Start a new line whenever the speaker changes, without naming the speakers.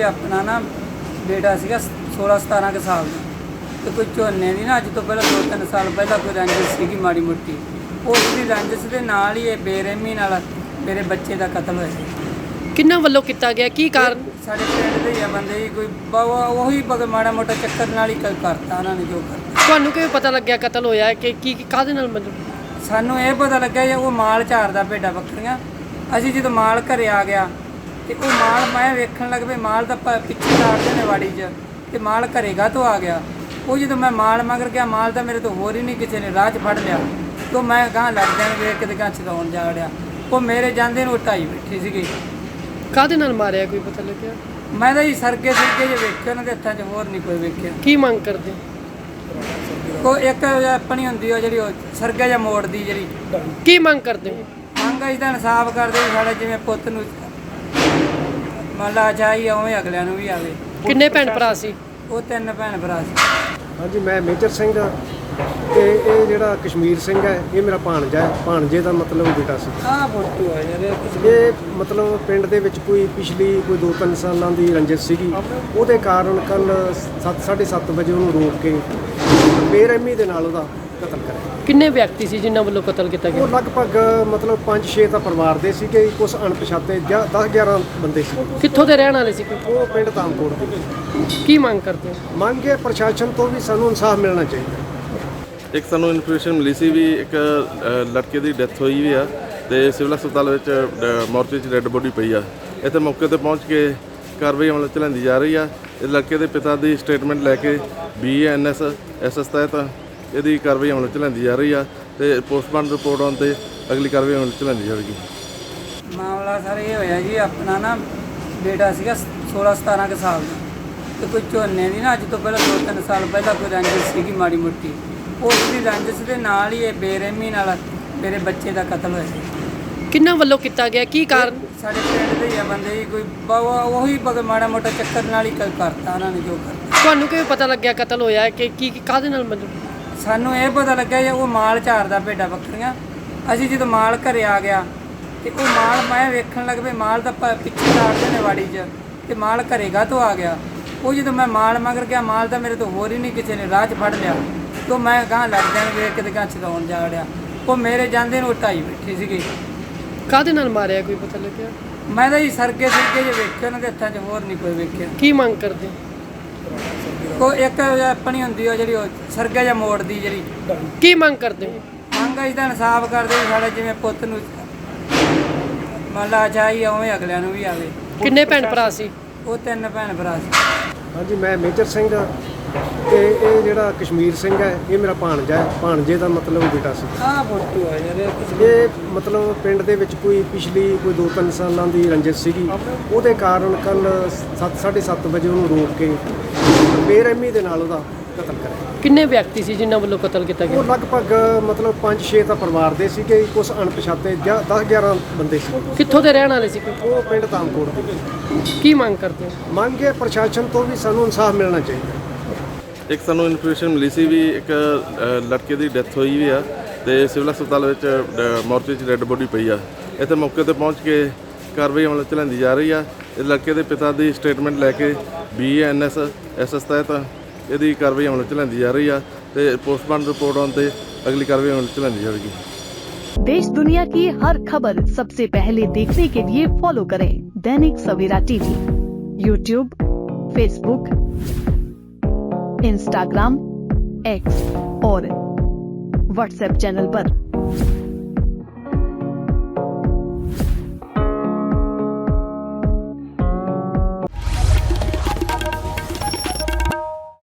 अपना ना बेटा सीगा 16-17 के साल का, तो कोई झोने की ना अज तो पहले 2-3 साल पहला कोई रंजिश सीगी माड़ी मोटी, उसकी रंजिश के नाल ही ये बेरहमी नाल मेरे बच्चे का कतल होया।
किन्ना वल्लों किया गया की कारण?
साढ़े पिंड दे ही आ बंदे जी, कोई वही माड़ा मोटा चक्कर नाल ही करता उन्होंने जो करता।
ਤੁਹਾਨੂੰ ਕਿਵੇਂ ਪਤਾ ਲੱਗਿਆ ਕਤਲ ਹੋਇਆ ਹੈ ਕਿ ਕੀ ਕਾਹਦੇ ਨਾਲ ਮਤਲਬ?
ਸਾਨੂੰ ਇਹ ਪਤਾ ਲੱਗਿਆ ਜੀ ਉਹ ਮਾਲ ਝਾੜਦਾ ਭੇਡਾਂ ਬੱਕਰੀਆਂ। ਅਸੀਂ ਜਦੋਂ ਮਾਲ ਘਰੇ ਆ ਗਿਆ ਤੇ ਉਹ ਮਾਲ ਮੈਂ ਵੇਖਣ ਲੱਗ ਪਈ, ਮਾਲ ਤਾਂ ਪਿੱਛੇ ਝਾੜਦੇ ਨੇ ਵਾੜੀ 'ਚ, ਤੇ ਮਾਲ ਘਰੇਗਾ ਤੋਂ ਆ ਗਿਆ। ਉਹ ਜਦੋਂ ਮੈਂ ਮਾਲ ਮਗਰ ਗਿਆ, ਮਾਲ ਤਾਂ ਮੇਰੇ ਤੋਂ ਹੋਰ ਹੀ ਨਹੀਂ ਕਿਸੇ ਨੇ ਰਾਹ 'ਚ ਫੜ ਲਿਆ, ਤੋਂ ਮੈਂ ਗਾਂ ਲੱਗਦਿਆਂ ਨੂੰ ਵੇਖ ਕੇ ਤੇ ਗਾਂ ਚਲਾਉਣ ਜਾ ਵੜਿਆ। ਉਹ ਮੇਰੇ ਜਾਂਦੇ ਨੂੰ ਢਾਈ ਬੈਠੀ ਸੀਗੀ।
ਕਾਹਦੇ ਨਾਲ ਮਾਰਿਆ ਕੋਈ ਪਤਾ ਲੱਗਿਆ?
ਮੈਂ ਤਾਂ ਜੀ ਸਰਗੇ ਜੇ ਵੇਖੇ ਉਹਨਾਂ ਦੇ ਹੱਥਾਂ 'ਚ, ਹੋਰ ਨਹੀਂ ਕੋਈ ਵੇਖਿਆ।
ਕੀ ਮੰਗ ਕਰਦੇ?
ਕੋਈ ਇੱਕ ਆਪਣੀ ਹੁੰਦੀ ਉਹ ਜਿਹੜੀ ਉਹ ਸਰਗਾ ਜਾਂ ਮੋੜ ਦੀ ਜਿਹੜੀ
ਕੀ ਮੰਗ ਕਰਦੇ ਹੋ?
ਮੰਗ ਅਸੀਂ ਤਾਂ ਇਨਸਾਫ ਕਰਦੇ ਵੀ ਸਾਡੇ ਜਿਵੇਂ ਪੁੱਤ ਨੂੰ ਮੰਨ ਲਾ ਚਾਹੀ ਉਵੇਂ ਅਗਲਿਆਂ ਨੂੰ ਵੀ ਆਵੇ।
ਕਿੰਨੇ ਭੈਣ ਭਰਾ ਸੀ?
ਉਹ 3 ਭੈਣ ਭਰਾ ਸੀ।
ਹਾਂਜੀ, ਮੈਂ ਮੇਜਰ ਸਿੰਘ ਤੇ ਇਹ ਜਿਹੜਾ ਕਸ਼ਮੀਰ ਸਿੰਘ ਹੈ ਇਹ ਮੇਰਾ ਭਾਣਜਾ ਹੈ। ਭਾਣਜੇ ਦਾ ਮਤਲਬ ਬੇਟਾ ਸੀ।
ਆਹ ਫੋਟੋ ਆ ਯਾਰ
ਇਹ ਮਤਲਬ ਪਿੰਡ ਦੇ ਵਿੱਚ ਕੋਈ ਪਿਛਲੀ 2-3 ਸਾਲਾਂ ਦੀ ਰੰਜਿਸ਼ ਸੀਗੀ, ਉਹਦੇ ਕਾਰਨ ਕੱਲ 7:30 ਵਜੇ ਉਹਨੂੰ ਰੋਕ ਕੇ ਬੇਰਹਿਮੀ ਦੇ ਨਾਲ ਉਹਦਾ ਕਤਲ ਕਰਿਆ।
ਕਿੰਨੇ ਵਿਅਕਤੀ ਸੀ ਜਿਨ੍ਹਾਂ ਵੱਲੋਂ ਕਤਲ ਕੀਤਾ
ਉਹ
ਗਿਆ?
ਲਗਭਗ ਮਤਲਬ 5-6 ਤਾਂ ਪਰਿਵਾਰ ਦੇ ਸੀਗੇ, ਕੁਝ ਅਣਪਛਾਤੇ 10-11 ਬੰਦੇ ਸੀ।
ਕਿੱਥੋਂ ਦੇ ਰਹਿਣ ਵਾਲੇ ਸੀ?
ਉਹ ਪਿੰਡ ਤਾਮਕੋਟ ਦੇ।
ਕੀ ਮੰਗ ਕਰਦੇ ਹੋ?
ਮੰਗ ਹੈ ਪ੍ਰਸ਼ਾਸਨ ਤੋਂ ਵੀ ਸਾਨੂੰ ਇਨਸਾਫ ਮਿਲਣਾ ਚਾਹੀਦਾ।
ਇੱਕ ਸਾਨੂੰ ਇਨਫੋਰਮੇਸ਼ਨ ਮਿਲੀ ਸੀ ਵੀ ਇੱਕ ਲੜਕੇ ਦੀ ਡੈਥ ਹੋਈ ਵੀ ਆ ਤੇ ਸਿਵਲ ਹਸਪਤਾਲ ਵਿੱਚ ਮੋਰਚੇ 'ਚ ਡੈੱਡ ਬੋਡੀ ਪਈ ਆ। ਇੱਥੇ ਮੌਕੇ ਤੇ ਪਹੁੰਚ ਕੇ ਕਾਰਵਾਈ ਅਮਲ 'ਚ ਲਿਆਂਦੀ ਜਾ ਰਹੀ ਆ। ਇਸ ਲੜਕੇ ਦੇ ਪਿਤਾ ਦੀ ਸਟੇਟਮੈਂਟ ਲੈ ਕੇ BANS SS ਤਹਿਤ ਇਹਦੀ ਕਾਰਵਾਈ ਅਮਲ 'ਚ ਲਿਆਂਦੀ ਜਾ ਰਹੀ ਆ ਤੇ ਪੋਸਟਮਾਰਟਮ ਰਿਪੋਰਟ ਆਉਣ ਤੇ ਅਗਲੀ ਕਾਰਵਾਈ ਅਮਲ 'ਚ ਲਿਆਂਦੀ ਜਾਵੇਗੀ।
ਮਾਮਲਾ ਸਰ ਇਹ ਹੋਇਆ ਜੀ, ਆਪਣਾ ਨਾ ਬੇਟਾ ਸੀਗਾ 16-17 ਕੇ ਸਾਲ ਦਾ, ਤੇ ਕੋਈ ਝੋਨੇ ਦੀ ਨਾ ਅਜ ਤੋਂ ਪਹਿਲਾਂ 2-3 ਸਾਲ ਪਹਿਲਾਂ ਕੋਈ ਰੰजिश ਸੀਗੀ ਮਾੜੀ ਮੋਟੀ, उसकी रंजिश के नाल ही बेरहमी नाल मेरे बच्चे का कतल होया।
किन्ना ਵੱਲੋਂ ਕੀਤਾ ਗਿਆ ਕੀ ਕਾਰਨ?
साढ़े पिंड दे ही आ बंदे जी, कोई वही माड़ा मोटा चक्कर नाल ही करता उन्होंने जो करता।
ਤੁਹਾਨੂੰ ਕਿਵੇਂ ਪਤਾ ਲੱਗਿਆ ਕਤਲ ਹੋਇਆ ਹੈ ਕਿ ਕੀ ਕਾਹਦੇ ਨਾਲ ਮਤਲਬ?
ਸਾਨੂੰ ਇਹ ਪਤਾ ਲੱਗਿਆ ਜੀ ਉਹ ਮਾਲ ਝਾੜਦਾ ਭੇਡਾਂ ਬੱਕਰੀਆਂ। ਅਸੀਂ ਜਦੋਂ ਮਾਲ ਘਰੇ ਆ ਗਿਆ ਤੇ ਉਹ ਮਾਲ ਮੈਂ ਵੇਖਣ ਲੱਗ ਪਈ, ਮਾਲ ਤਾਂ ਪਿੱਛੇ ਝਾੜਦੇ ਨੇ ਵਾੜੀ 'ਚ, ਤੇ ਮਾਲ ਘਰੇਗਾ ਤੋਂ ਆ ਗਿਆ। ਉਹ ਜਦੋਂ ਮੈਂ ਮਾਲ ਮਗਰ ਗਿਆ, ਮਾਲ ਤਾਂ ਮੇਰੇ ਤੋਂ ਹੋਰ ਹੀ ਨਹੀਂ ਕਿਸੇ ਨੇ ਰਾਹ 'ਚ ਫੜ ਲਿਆ, ਤੋਂ ਮੈਂ ਗਾਂ ਲੱਗਦਿਆਂ ਨੂੰ ਵੇਖ ਕੇ ਤੇ ਗਾਂ ਚਲਾਉਣ ਜਾ ਵੜਿਆ। ਉਹ ਮੇਰੇ ਜਾਂਦੇ ਨੂੰ ਢਾਈ ਬੈਠੀ ਸੀਗੀ।
ਕਾਹਦੇ ਨਾਲ ਮਾਰਿਆ ਕੋਈ ਪਤਾ ਲੱਗਿਆ?
ਮੈਂ ਤਾਂ ਜੀ ਸਰਗੇ ਜੇ ਵੇਖੇ ਉਹਨਾਂ ਦੇ ਹੱਥਾਂ 'ਚ, ਹੋਰ ਨਹੀਂ ਕੋਈ ਵੇਖਿਆ।
ਕੀ ਮੰਗ ਕਰਦੇ?
ਕੋਈ ਇੱਕ ਆਪਣੀ ਹੁੰਦੀ ਉਹ ਜਿਹੜੀ ਉਹ ਸਰਗਾ ਜਾਂ ਮੋੜ ਦੀ ਜਿਹੜੀ
ਕੀ ਮੰਗ ਕਰਦੇ ਹੋ?
ਮੰਗ ਅਸੀਂ ਤਾਂ ਇਨਸਾਫ ਕਰਦੇ ਵੀ ਸਾਡੇ ਜਿਵੇਂ ਪੁੱਤ ਨੂੰ ਮੰਨ ਲਾ ਚਾਹੀ ਉਵੇਂ ਅਗਲਿਆਂ ਨੂੰ ਵੀ ਆਵੇ।
ਕਿੰਨੇ ਭੈਣ ਭਰਾ ਸੀ?
ਉਹ 3 ਭੈਣ ਭਰਾ ਸੀ।
ਹਾਂਜੀ, ਮੈਂ ਮੇਜਰ ਸਿੰਘ ਤੇ ਇਹ ਜਿਹੜਾ ਕਸ਼ਮੀਰ ਸਿੰਘ ਹੈ ਇਹ ਮੇਰਾ ਭਾਣਜਾ ਹੈ। ਭਾਣਜੇ ਦਾ ਮਤਲਬ ਬੇਟਾ ਸੀ।
ਆਹ ਫੋਟੋ ਆ ਯਾਰ
ਇਹ ਮਤਲਬ ਪਿੰਡ ਦੇ ਵਿੱਚ ਕੋਈ ਪਿਛਲੀ 2-3 ਸਾਲਾਂ ਦੀ ਰੰਜਿਸ਼ ਸੀਗੀ, ਉਹਦੇ ਕਾਰਨ ਕੱਲ 7:30 ਵਜੇ ਉਹਨੂੰ ਰੋਕ ਕੇ ਬੇਰਹਿਮੀ ਦੇ ਨਾਲ ਉਹਦਾ ਕਤਲ ਕਰਿਆ।
ਕਿੰਨੇ ਵਿਅਕਤੀ ਸੀ ਜਿਨ੍ਹਾਂ ਵੱਲੋਂ ਕਤਲ ਕੀਤਾ
ਉਹ
ਗਿਆ?
ਲਗਭਗ ਮਤਲਬ 5-6 ਤਾਂ ਪਰਿਵਾਰ ਦੇ ਸੀਗੇ, ਕੁਝ ਅਣਪਛਾਤੇ 10-11 ਬੰਦੇ ਸੀ।
ਕਿੱਥੋਂ ਦੇ ਰਹਿਣ ਵਾਲੇ ਸੀ?
ਉਹ ਪਿੰਡ ਤਾਮਕੋਟ ਦੇ।
ਕੀ ਮੰਗ ਕਰਦੇ ਹੋ?
ਮੰਗ ਹੈ ਪ੍ਰਸ਼ਾਸਨ ਤੋਂ ਵੀ ਸਾਨੂੰ ਇਨਸਾਫ ਮਿਲਣਾ ਚਾਹੀਦਾ।
ਇੱਕ ਸਾਨੂੰ ਇਨਫੋਰਮੇਸ਼ਨ ਮਿਲੀ ਸੀ ਵੀ ਇੱਕ ਲੜਕੇ ਦੀ ਡੈਥ ਹੋਈ ਵੀ ਆ ਤੇ ਸਿਵਲ ਹਸਪਤਾਲ ਵਿੱਚ ਮੋਰਚੇ 'ਚ ਡੈੱਡ ਬੋਡੀ ਪਈ ਆ। ਇੱਥੇ ਮੌਕੇ ਤੇ ਪਹੁੰਚ ਕੇ ਕਾਰਵਾਈ ਅਮਲ 'ਚ ਲਿਆਂਦੀ ਜਾ ਰਹੀ ਆ। ਇਸ ਲੜਕੇ ਦੇ ਪਿਤਾ ਦੀ ਸਟੇਟਮੈਂਟ ਲੈ ਕੇ BANS SS ਤਹਿਤ ਇਹਦੀ ਕਾਰਵਾਈ ਅਮਲ 'ਚ ਲਿਆਂਦੀ ਜਾ ਰਹੀ ਆ ਤੇ ਪੋਸਟਮਾਰਟਮ ਰਿਪੋर्ट ਆਉਣ ਤੇ ਅਗਲੀ ਕਾਰਵਾਈ ਅਮਲ 'ਚ ਲਿਆਂਦੀ ਜਾਵੇਗੀ।
देश दुनिया की हर खबर सबसे पहले देखने के लिए फॉलो करें Dainik Savera TV, YouTube, Facebook, Instagram, X और WhatsApp चैनल पर।